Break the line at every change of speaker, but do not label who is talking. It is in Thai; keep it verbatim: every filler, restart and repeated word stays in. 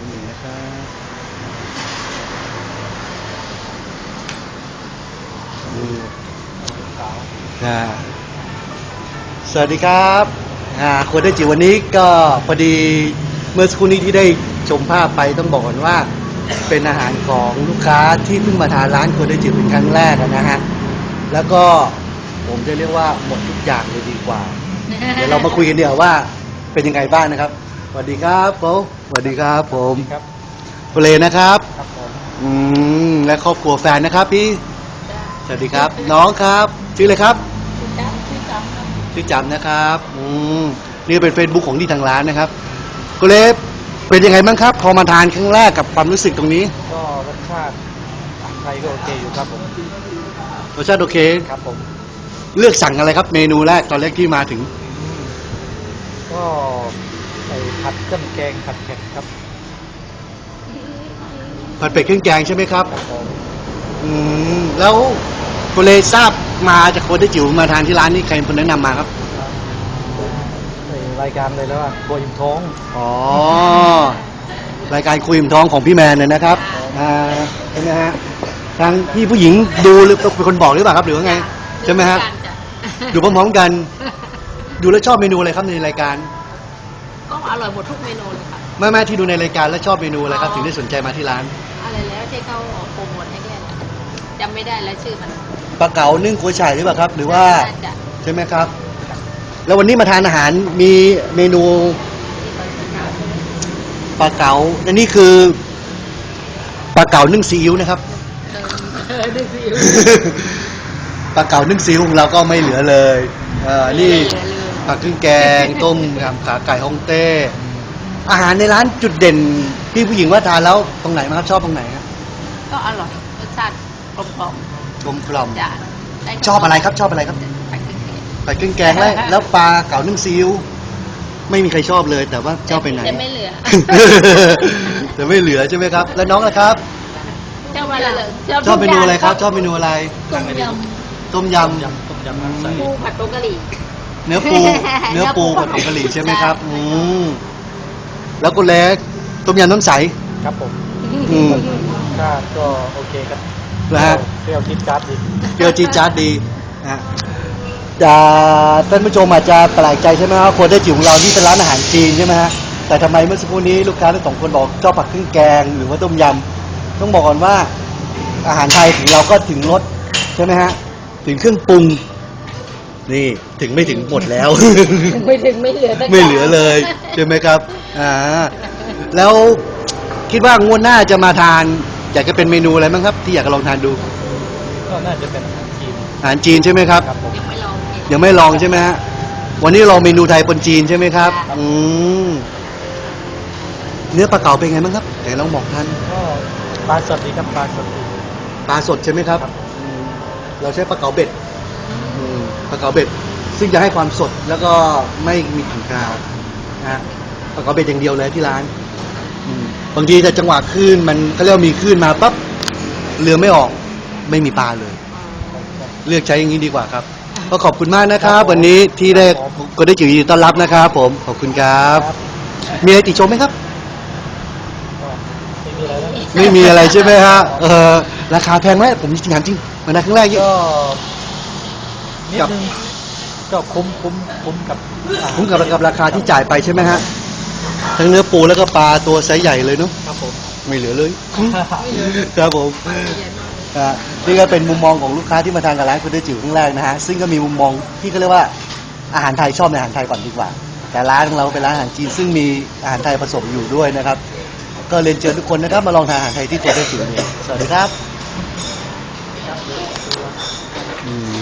นิดหนึ่งนะครับดูอ่าสวัสดีครับอ่าคนได้จิ๋ววันนี้ก็พอดีเมื่อสักครู่นี้ที่ได้ชมภาพไปต้องบอกก่อนว่าเป็นอาหารของลูกค้าที่เพิ่งมาทานร้านคนได้จิ๋วเป็นครั้งแรกนะฮะแล้วก็ผมจะเรียกว่าหมดทุกอย่างเลยดีกว่า เดี๋ยวเรามาคุยกันเดี๋ยวว่าเป็นยังไงบ้างนะครับสวัสดีครับโป๊สวัสดีครับผม
ครับ
โปเลนะครับ
ครับผม
อืมและครอบครัวแฟนนะครับพี่สวัสดีครับ น้องครับชื่ออะไรครับชื่อจำครับชื่อจำนะครับอืมนี่เป็น Facebook ของที่ทางร้านนะครับโกเลฟเป็นยังไงบ้างครับพอมาทานครั้งแรกกับความรู้สึกตรงนี้
ก็รสชาติอาหารไทยก็โอเคอยู่ครับผม
รสชาติโอเค
ครับผม
เลือกสั่งอะไรครับเมนูแรกตอนแรกที่มาถึง
ก็ใส่ผัดเครื่องแกงผัดเผ็ดครับ
ผัดเป็ดเครื่องแกงใช่ไหมครับ
ครับผม
อืมแล้วโกเลทราบมาจากคนที่จิ๋วมาทานที่ร้านนี้ใครเป็นคนแนะนำมาครับ
ในรายการเลยแล้วว่าโกยอิ่มท้อง
อ๋อรายการคุยอิ่มท้องของพี่แมนเนี่ยนะครับอ่าใช่ไหมฮะทางพี่ผู้หญิงดูหรือเป็นคนบอกหรือเปล่าครับหรือว่าไงใช่ไหมฮะดูพร้อมๆกันดูแล้วชอบเมนูอะไรครับในรายการ
ก็อร่อยหมดทุกเมนูเลยค่ะ
แม่แม่ที่ดูในรายการแล้วชอบเมนูอะไรครับถึงได้สนใจมาที่ร้าน
อะไรแล้วที่เขาโปรโมทให้แค่จำไม่ได้แล้วชื่อมัน
ปลาเก๋านึ่งกุ้ยช่ายหรือเปล่าครับหรือว่าใช่ไหมครับแล้ววันนี้มาทานอาหารมีเมนูปลาเก๋าอันนี้คือปลาเก๋านึ่งซีอิ๊วนะครับ
นึ่งซีอิ๊ว
ปลาเก๋านึ่งซีอิ๊วของเราก็ไม่เหลือเลยเอ่อนี่ผักเครื่องแกงต้มยำขาไก่ฮ่องเต้อาหารในร้านจุดเด่นพี่ผู้หญิงว่าทานแล้วตรงไหนมั้งครับชอบตรงไหนครับ
ก็อร่อยรสชาติกลมกล่อม
กลมกล่อม
จ้ะ
ชอบอะไรครับชอบอะไรครับผักเครื่องแกงแล้วแล้วปลาเก๋านึ่งซีอิ๊วไม่มีใครชอบเลยแต่ว่าชอบไปไหน
จะไม่เหลือ
จะไม่เหลือใช่ไหมครับแล้วน้องล่ะครับ
ชอบอะไร
ชอบเมนูอะไรครับชอบเมนูอะไร
ต้มย
ำต้มย
ำต้มยำน้ำใส
ปูผัดผงกะหรี่
เนื้อปูเนื้อปูผัดผงกะหรี่ใช่ไหมครับอืมแล้วก็เล็กต้มยำน้ำใส
ครับผม
อืม
ชาติก็โอเคครับ
นะฮะ
เปรี้ยวจี๊ดจ๊าดดี
เปรี้ยวจี๊ดจ๊าดดีนะท่านผู้ชมอาจจะแปลกใจใช่ไหมครับคนได้จิ๋วของเราที่เป็นร้านอาหารจีนใช่ไหมฮะแต่ทำไมเมื่อสักครู่นี้ลูกค้าทั้งสองคนบอกชอบผักเครื่องแกงหรือว่าต้มยำต้องบอกก่อนว่าอาหารไทยถึงเราก็ถึงรสใช่ไหมฮะถึงเครื่องปรุงนี่ถึงไม่ถึงหมดแล้ว
ไม่ถึงไม่เหลือ
ไม่เหลือเลยใช่ไหมครับอ่าแล้วคิดว่างวดหน้าจะมาทานอยากจะเป็นเมนูอะไรบ้างครับที่อยากจะลองทานดู
ก็น่าจะเป็นอาหารจีน
อาหารจีนใช่ไหมครับ
ยังไม่ลอง
ยังไม่ลองใช่ไหมฮะวันนี้ลองเมนูไทยปนจีนใช่ไหมครับอืมเนื้อปลาเก๋าเป็นไงบ้างครับไหนลองบอกท่าน
ก็ปลาสดดีครับปลาสด
ปลาสดใช่ไหมครับเราใช้ปลาเก๋าเบ็ดปลาเก๋าเบ็ดซึ่งจะให้ความสดแล้วก็ไม่มีกลิ่นคาวนะปลาเก๋าเบ็ดอย่างเดียวเลยที่ร้านบางทีแต่จังหวะคลื่นมันเขาเรียกว่ามีคลื่นมาปั๊บเรือไม่ออกไม่มีปลาเลยเลือกใช้อย่างนี้ดีกว่าครับก็ขอบคุณมากนะครับวันนี้ที่ได้ก็ได้จิ๋วยินดีต้อนรับนะครับผมขอบคุณครับมีอะไรติชมไหมครับไม่มีอะไรใช่ไหมฮะเออราคาแพงไหมผมจริงๆจริงมาในครั้งแรก
ก็นิดนึงก็คุ้มคุ้มคุ้มกับ
คุ้มกับกับราคาที่จ่ายไปใช่ไหมฮะทั้งเนื้อปูแล้วก็ปลาตัวไซส์ใหญ่เลยเนาะ
ครับผม
ไม่เหลือเลยครับผมนี่ก็เป็นมุมมองของลูกค้าที่มาทานกับร้านคุณได้จิ๋วครั้งแรกนะฮะซึ่งก็มีมุมมองที่เขาเรียกว่าอาหารไทยชอบในอาหารไทยก่อนดีกว่าแต่ร้านของเราเป็นร้านอาหารจีนซึ่งมีอาหารไทยผสมอยู่ด้วยนะครับก็เรียนเชิญทุกคนนะครับมาลองทานอาหารไทยที่คุณได้จิ๋วสวัสดีครับ